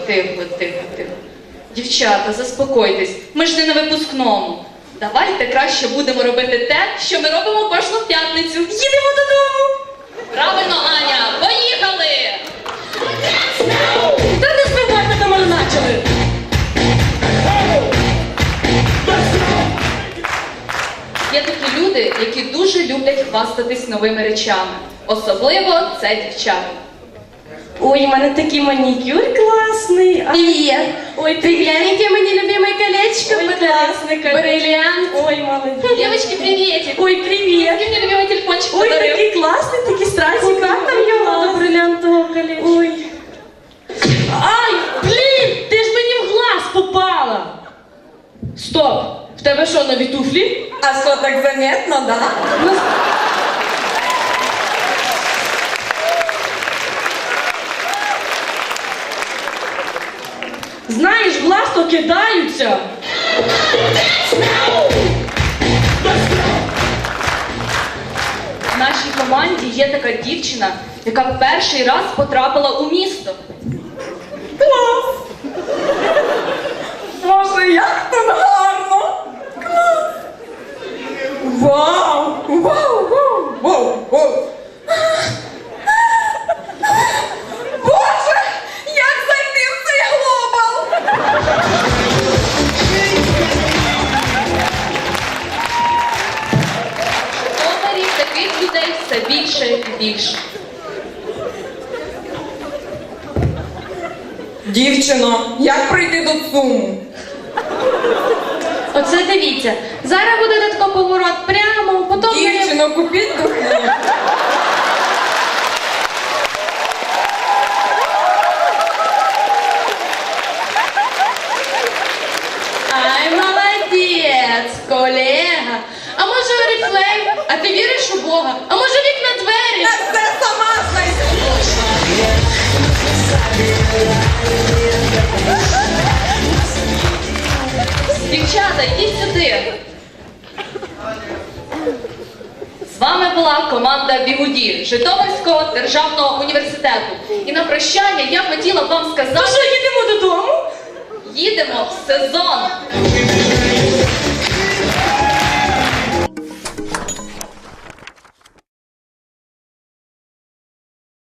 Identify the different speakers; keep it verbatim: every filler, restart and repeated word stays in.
Speaker 1: тихо, тихо, тихо. Дівчата, заспокойтесь, ми ж не на випускному. Давайте краще будемо робити те, що ми робимо кожну п'ятницю. Їдемо додому! Правильно, Аня, поїхали!
Speaker 2: Та не збивайте, там вже почали!
Speaker 1: Є такі люди, які дуже люблять хвастатись новими речами. Особливо це дівчата.
Speaker 2: Ой, у мене такий манікюр класний. А...
Speaker 3: Привет!
Speaker 2: Ой,
Speaker 3: Ты
Speaker 2: привіт.
Speaker 3: гляньте, мне любимое колечко
Speaker 2: Ой,
Speaker 3: подарили.
Speaker 2: класний колечко.
Speaker 3: Бриллиант.
Speaker 2: Ой, молодець.
Speaker 1: Девочки, приветик!
Speaker 2: Ой, привіт.
Speaker 1: Який мені любимий телефончик
Speaker 2: Ой,
Speaker 1: подарив?
Speaker 2: такий класний, такий страсик. Как там його до бриллиантового колечка? Ой. Ай, блін, ти ж мені в глаз попала. Стоп, в тебе що, нові туфлі?
Speaker 3: А что, так заметно, да?
Speaker 2: Ну, знаєш, в глаз то кидаються.
Speaker 1: В нашій команді є така дівчина, яка перший раз потрапила у місто.
Speaker 3: Клас! Боже, як тут гарно! Клас! Вау! Вау! Вау! Вау! Вау! Боже! Як зайти в цей глобал?
Speaker 1: Житомирі таких людей все більше і більше.
Speaker 3: Дівчино, як прийти до ЦУМу?
Speaker 2: Оце дивіться. Зараз буде тако поворот прямо, потім...
Speaker 3: Дівчино, купіть духи.
Speaker 2: Ай, молодець, колега. А може Оріфлейм? А ти віриш у Бога? А може вікна двері?
Speaker 3: Я все сама знайду.
Speaker 1: Дівчата, йдіть сюди. З вами була команда Бігуді Житомирського державного університету. І на прощання я хотіла б вам
Speaker 2: Ну
Speaker 1: сказати,
Speaker 2: що, їдемо додому?
Speaker 1: їдемо в сезон.